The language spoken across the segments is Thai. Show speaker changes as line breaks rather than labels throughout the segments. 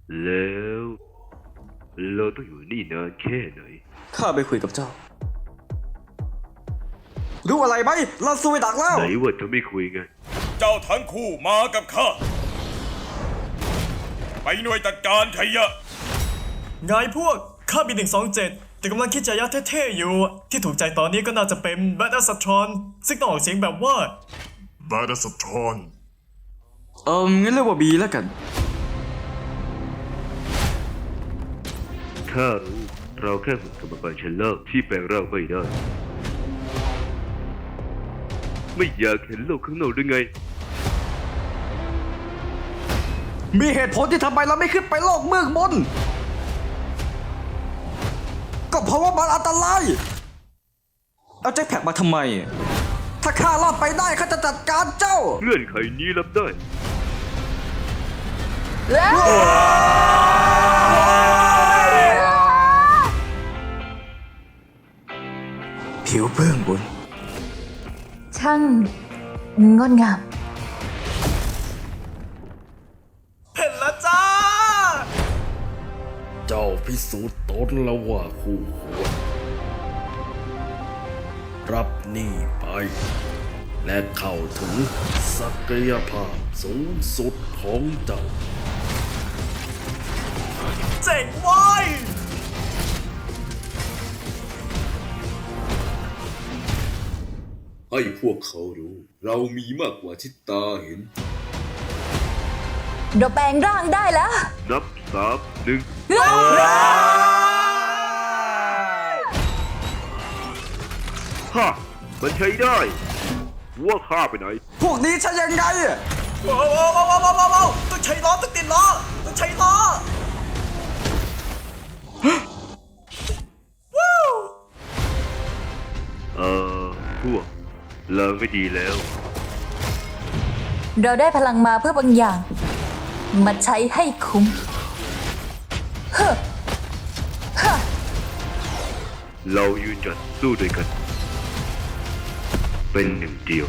แล้วเราต้องอยู่นี่นานแค่ไหน
ข้าไปคุยกับเจ้า รู้อะไรไหมเราสู้ไปดักแล้ว
ไหนว่าจะไม่คุยไง
เจ้าทั้งคู่มากับข้า ไปหน่วยจัดการขยะ
ไงพวก ข้ามี127 แต่กำลังคิดจะยัดเท่ๆอยู่ ที่ถูกใจตอนนี้ก็น่าจะเป็นแบทอัสทรอนซึ่งต้องออกเสียงแบบว่า
บาดาสทรอน
งั้นเรียกว่าบีแล้วกัน
ข้ารู้เราแค่หุ่นกรรมการชั้นล่างที่แปลงร่างไม่ได้ ไม่อยากเห็นโลกข้างนอกหรือไง
มีเหตุผลที่ทำไมเราไม่ขึ้นไปโลกเมืองบน ก็เพราะว่ามันอันตราย เอาแจ็คแพ็กมาทำไม ถ้าข้ารอดไปได้ข้าจะจัดการเจ้า
เงื่อนไขนี้รับได้
ผิวเบื้องบน
ช่างงดงาม
เห็นแล้วจ้า
เจ้าพิสูจน์ตนแล้วว่าคู่ควรรับนี่ไป และเข้าถึงศักยภาพสูงสุดของเจ้า
เจ๋งเว้ย
ให้พวกเขารู้ เรามีมากกว่าที่ตาเห็น
เราแปลงร่างได้แล้ว
นับ3 1ฮ่ามันใช้ได้ว่าข้าไปไหน
พวกนี้ใช่ยังไง
ว้าวต้องใช้ล้อต้องติดล้อต้องใช้ล้อ
พวกลางไม่ดีแล้ว
เราได้พลังมาเพื่อบางอย่าง มาใช้ให้คุ้มเฮ้อเฮ้อ
เรายืนหยัดสู้ด้วยกัน เป็นหนึ่งเดียว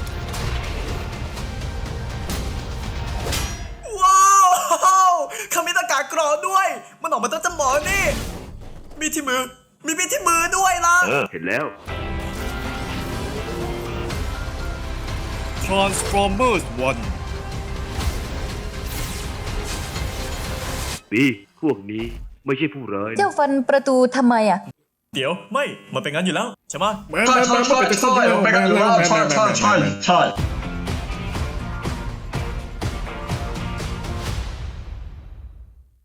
ว้าวเขามีหน้ากากกรองด้วย มันออกมาตั้งแต่หมอนี่ มีที่มือ มีที่มือด้วยล่ะ
เห็นแล้ว
Transformers
ปีพวกนี้ไม่ใช่ผู้ร้าย
เจ้าฟันประตูทำไมอ่ะ
เดี๋ยวไม่ มันเป็นงั้นอยู่แล้ว ใช่ไหม
1
ใช่ใช่ใช่ใช่เป็นกันอยู่แล้วใช่ใช่ใช่ใช่